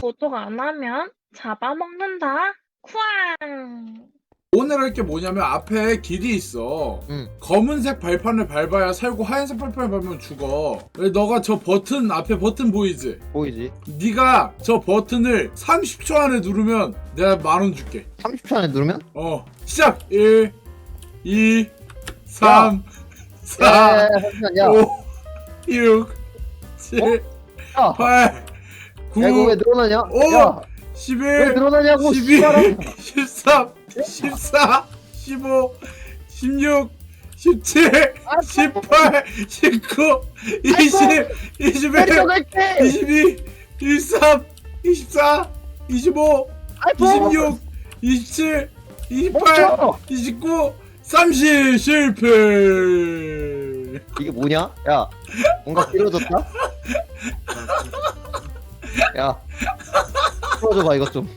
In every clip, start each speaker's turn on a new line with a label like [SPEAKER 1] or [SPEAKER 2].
[SPEAKER 1] 도둑 안 하면 잡아먹는다. 쿠앙.
[SPEAKER 2] 오늘 할 게 뭐냐면 앞에 길이 있어.
[SPEAKER 3] 응.
[SPEAKER 2] 검은색 발판을 밟아야 살고 하얀색 발판을 밟으면 죽어. 왜 너가 저 버튼 앞에 버튼 보이지?
[SPEAKER 3] 보이지?
[SPEAKER 2] 네가 저 버튼을 30초 안에 누르면 내가 10,000원 줄게.
[SPEAKER 3] 30초 안에 누르면?
[SPEAKER 2] 시작. 1 2 3 4
[SPEAKER 3] 잠시만, 야.
[SPEAKER 2] 5 6 7
[SPEAKER 3] 야.
[SPEAKER 2] 8 9
[SPEAKER 3] 야, 이거 왜 늘어나냐?
[SPEAKER 2] 오!
[SPEAKER 3] 야,
[SPEAKER 2] 11
[SPEAKER 3] 왜 늘어나냐고,
[SPEAKER 2] 12
[SPEAKER 3] 씨발아.
[SPEAKER 2] 13 14 15 16 17 18 19 20 21
[SPEAKER 3] 내려갈게!
[SPEAKER 2] 22 23 24 25
[SPEAKER 3] 아이고!
[SPEAKER 2] 26 27 28
[SPEAKER 3] 멈춰!
[SPEAKER 2] 29 30 실패.
[SPEAKER 3] 이게 뭐냐? 야, 뭔가 길어졌다? 야, 풀어줘봐, 이것 좀.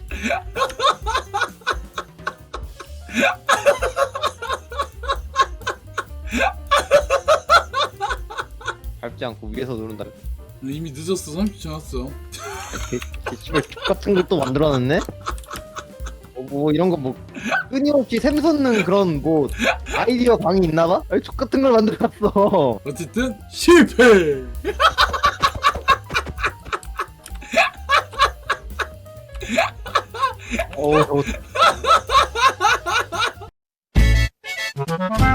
[SPEAKER 3] 밟지 않고 위에서 누른다.
[SPEAKER 2] 이미 늦었어. 30초 지났어.
[SPEAKER 3] 씨발 같은 것도 만들어놨네? 뭐 이런 거 뭐 끊임없이 샘솟는 그런 뭐 아이디어 방이 있나봐? 아니 족 같은 걸 만들어놨어.
[SPEAKER 2] 어쨌든 실패.
[SPEAKER 3] 저거